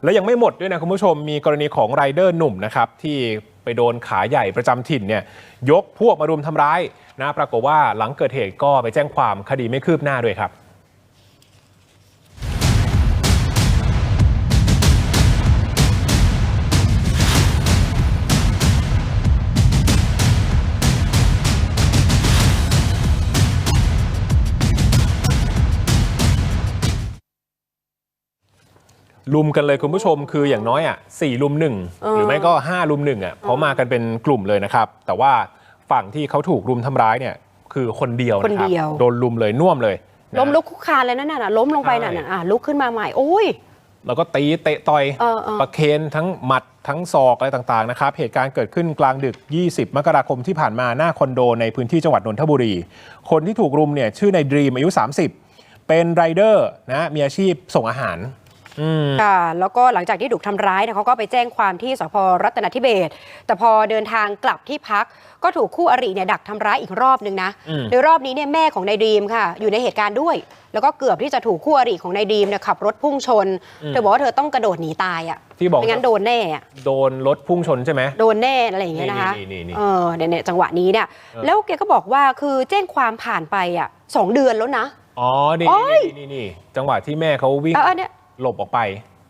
แล้วยังไม่หมดด้วยนะคุณผู้ชมมีกรณีของไรเดอร์หนุ่มนะครับที่ไปโดนขาใหญ่ประจำถิ่นเนี่ยยกพวกมารุมทำร้ายนะปรากฏว่าหลังเกิดเหตุก็ไปแจ้งความคดีไม่คืบหน้าด้วยครับลุมกันเลยคุณผู้ชมคืออย่างน้อย4 ลุม 1หรือไม่ก็5 ลุม 1เพราะมากันเป็นกลุ่มเลยนะครับแต่ว่าฝั่งที่เขาถูกรุมทำร้ายเนี่ยคือคนเดียวนะครับโดนลุมเลยน่วมเลยล้มลุกคุกคานเลยนั่นน่ะล้มลงไปนั่นน่ะลุกขึ้นมาใหม่โอ้ยแล้วก็ตีเตะต่อยประเคนทั้งหมัดทั้งศอกอะไรต่างๆนะครับเหตุการณ์เกิดขึ้นกลางดึก20 มกราคมที่ผ่านมาหน้าคอนโดในพื้นที่จังหวัดนนทบุรีคนที่ถูกรุมเนี่ยชื่อในดรีมอายุ30เป็นไรเดอร์นะมีอาชีพส่งอาหารค่ะแล้วก็หลังจากที่ถูกทำร้ายเขาก็ไปแจ้งความที่สพรัตนทิเบศแต่พอเดินทางกลับที่พักก็ถูกคู่อริเนี่ยดักทำร้ายอีกรอบนึงนะโดยรอบนี้เนี่ยแม่ของนายดรีมค่ะอยู่ในเหตุการณ์ด้วยแล้วก็เกือบที่จะถูกคู่อริของนายดรีมเนี่ยขับรถพุ่งชนเธอบอกว่าเธอต้องกระโดดหนีตายที่บอกไม่งั้นโดนแน่โดนรถพุ่งชนใช่ไหมโดนแน่อะไรอย่างเงี้ยนะคะเนี่ยจังหวะนี้เนี่ยแล้วแกก็บอกว่าคือแจ้งความผ่านไป2 เดือนแล้วนะอ๋อนี่จังหวะที่แม่เขาวิ่งหลบออกไป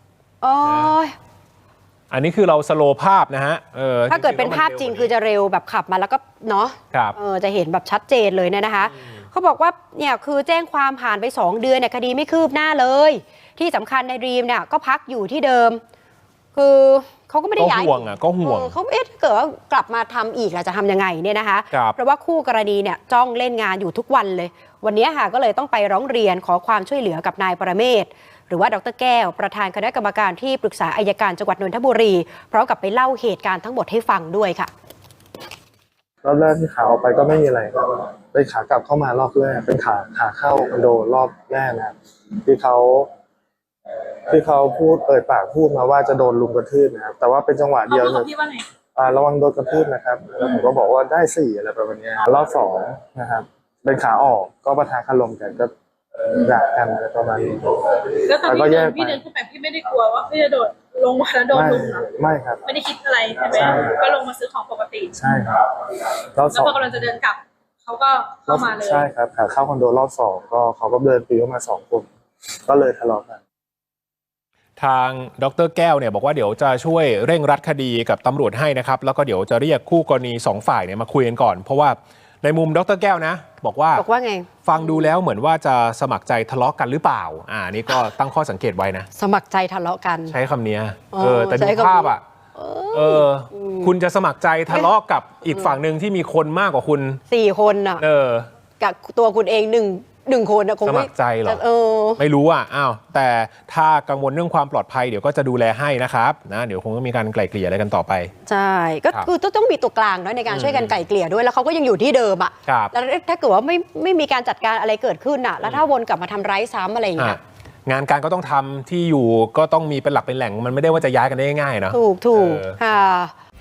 อันนี้คือเราสโลว์ภาพนะฮะถ้าเกิดเป็นภาพจริงคือจะเร็วแบบขับมาแล้วก็เนาะจะเห็นแบบชัดเจนเลยเนี่ยนะคะเขาบอกว่าเนี่ยคือแจ้งความผ่านไป2 เดือนเนี่ยคดีไม่คืบหน้าเลยที่สำคัญในดรีมเนี่ยก็พักอยู่ที่เดิมคือเขาก็ไม่ได้ย้ายก็ห่วงเขาถ้าเกิดว่ากลับมาทำอีกเราจะทำยังไงเนี่ยนะคะเพราะว่าคู่กรณีเนี่ยจ้องเล่นงานอยู่ทุกวันเลยวันนี้ค่ะก็เลยต้องไปร้องเรียนขอความช่วยเหลือกับนายปรเมศหรือว่าดร.แก้วประธานคณะกรรมการที่ปรึกษาอัยการจังหวัดนนทบุรีพร้อมกับไปเล่าเหตุการณ์ทั้งหมดให้ฟังด้วยค่ะรอบแรกที่ขาออกไปก็ไม่มีอะไรครับเป็นขากลับเข้ามารอบแรกเป็นขาเข้าคอนโดรอบแรกนะครับที่เขาพูดปากพูดมาว่าจะโดนลุมกระทืบนะครับแต่ว่าเป็นจังหวะเดียวเลยระวังโดนกระทืบนะครับแล้วผมก็บอกว่าได้4อะไรประมาณนี้รอบ2นะครับเป็นขาออกก็ปะทะคารมกันก็ด่ากันอะไรประมาณนี้แล้วตอนพี่เดินขึ้นไปพี่ไม่ได้กลัวว่าพี่จะโดดลงมาแล้วโดนลุมหรอไม่ครับไม่ได้คิดอะไรใช่ไหมก็ลงมาซื้อของปกติใช่ครับแล้วพอกำลังจะเดินกลับเขาก็เข้ามาเลยใช่ครับขาเข้าคอนโดรอบ2ก็เขาก็เดินปีเข้ามา2 คนก็เลยทะเลาะกันทางดร.แก้วเนี่ยบอกว่าเดี๋ยวจะช่วยเร่งรัดคดีกับตำรวจให้นะครับแล้วก็เดี๋ยวจะเรียกคู่กรณี2 ฝ่ายเนี่ยมาคุยกันก่อนเพราะว่าในมุมดร.แก้วนะบอกว่าไงฟังดูแล้วเหมือนว่าจะสมัครใจทะเลาะกันหรือเปล่านี่ก็ตั้งข้อสังเกตไว้นะสมัครใจทะเลาะกันใช้คำนี้แต่ดูภาพคุณจะสมัครใจทะเลาะกับอีกฝั่งหนึ่งที่มีคนมากกว่าคุณ 4 คนกับตัวคุณเอง1 คนคงสมัครใจหรอไม่รู้แต่ถ้ากังวลเรื่องความปลอดภัยเดี๋ยวก็จะดูแลให้นะครับเดี๋ยวคงต้องมีการไกล่เกลี่ยอะไรกันต่อไปใช่ก็คือต้องมีตัวกลางในการช่วยกันไกล่เกลี่ยด้วยแล้วเขาก็ยังอยู่ที่เดิมแล้วถ้าเกิดว่าไม่มีการจัดการอะไรเกิดขึ้นแล้วถ้าวนกลับมาทำร้ายซ้ำอะไรอย่างเงี้ยงานการก็ต้องทำที่อยู่ก็ต้องมีเป็นหลักเป็นแหล่งมันไม่ได้ว่าจะย้ายกันได้ง่ายๆนะถูกค่ะ